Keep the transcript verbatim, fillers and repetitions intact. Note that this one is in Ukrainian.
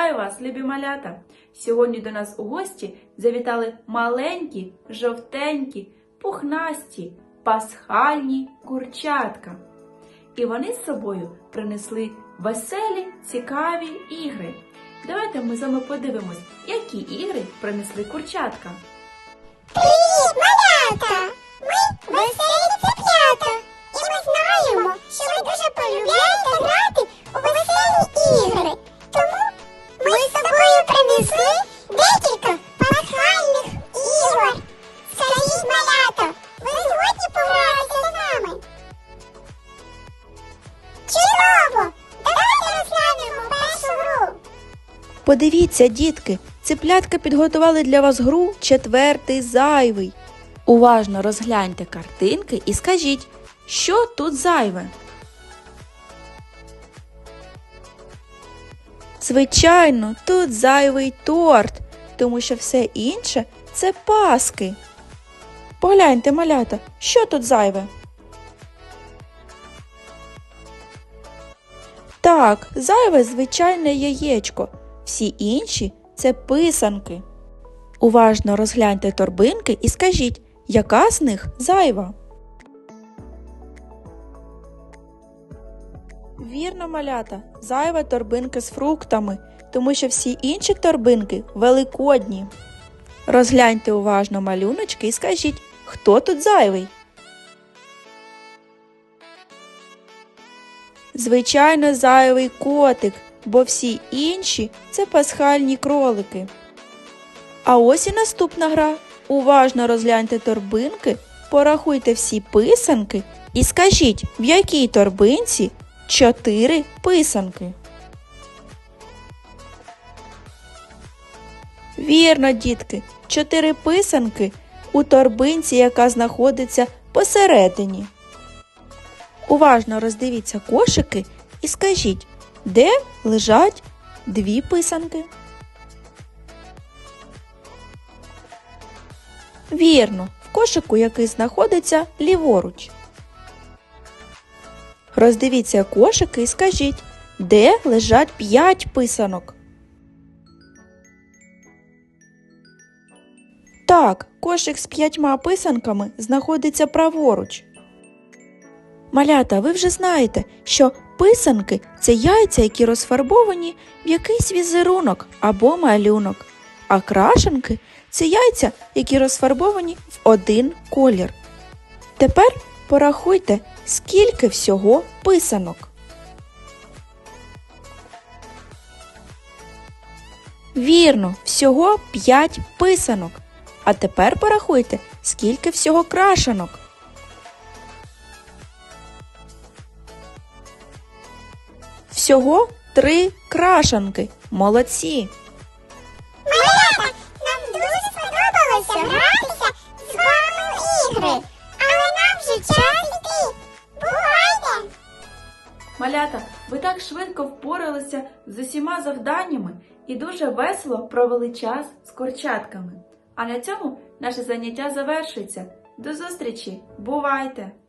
Вітаю вас, любі малята! Сьогодні до нас у гості завітали маленькі, жовтенькі, пухнасті, пасхальні курчатка. І вони з собою принесли веселі, цікаві ігри. Давайте ми з вами подивимось, які ігри принесли курчатка. Привіт, малята! Ми веселі цеплята. І ми знаємо, що ви дуже полюбляєте грати у веселі ігри. Тому ми з собою принесли декілька пасхальних ігор. Скажіть, малята, ви згодні погратися з нами? Чудово! Давайте розглянемо першу гру. Подивіться, дітки, цеплятка підготували для вас гру «Четвертий зайвий». Уважно розгляньте картинки і скажіть, що тут зайве? Звичайно, тут зайвий торт, тому що все інше – це паски. Погляньте, малята, що тут зайве? Так, зайве звичайне яєчко. Всі інші – це писанки. Уважно розгляньте торбинки і скажіть, яка з них зайва? Вірно, малята, зайва торбинка з фруктами, тому що всі інші торбинки великодні. Розгляньте уважно малюночки і скажіть, хто тут зайвий? Звичайно, зайвий котик, бо всі інші – це пасхальні кролики. А ось і наступна гра. Уважно розгляньте торбинки, порахуйте всі писанки і скажіть, в якій торбинці чотири писанки. Вірно, дітки, чотири писанки у торбинці, яка знаходиться посередині. Уважно роздивіться кошики і скажіть, де лежать дві писанки. Вірно, в кошику, який знаходиться ліворуч. Роздивіться кошики і скажіть, де лежать п'ять писанок. Так, кошик з п'ятьма писанками знаходиться праворуч. Малята, ви вже знаєте, що писанки – це яйця, які розфарбовані в якийсь візерунок або малюнок, а крашенки – це яйця, які розфарбовані в один колір. Тепер порахуйте, скільки всього писанок. Вірно, всього п'ять писанок. А тепер порахуйте, скільки всього крашенок. Всього три крашанки. Молодці! Малята, нам дуже сподобалося гратися з вами в ігри. Але нам вже час йти. Бувайте! Малята, ви так швидко впоралися з усіма завданнями і дуже весело провели час з курчатками. А на цьому наше заняття завершується. До зустрічі! Бувайте!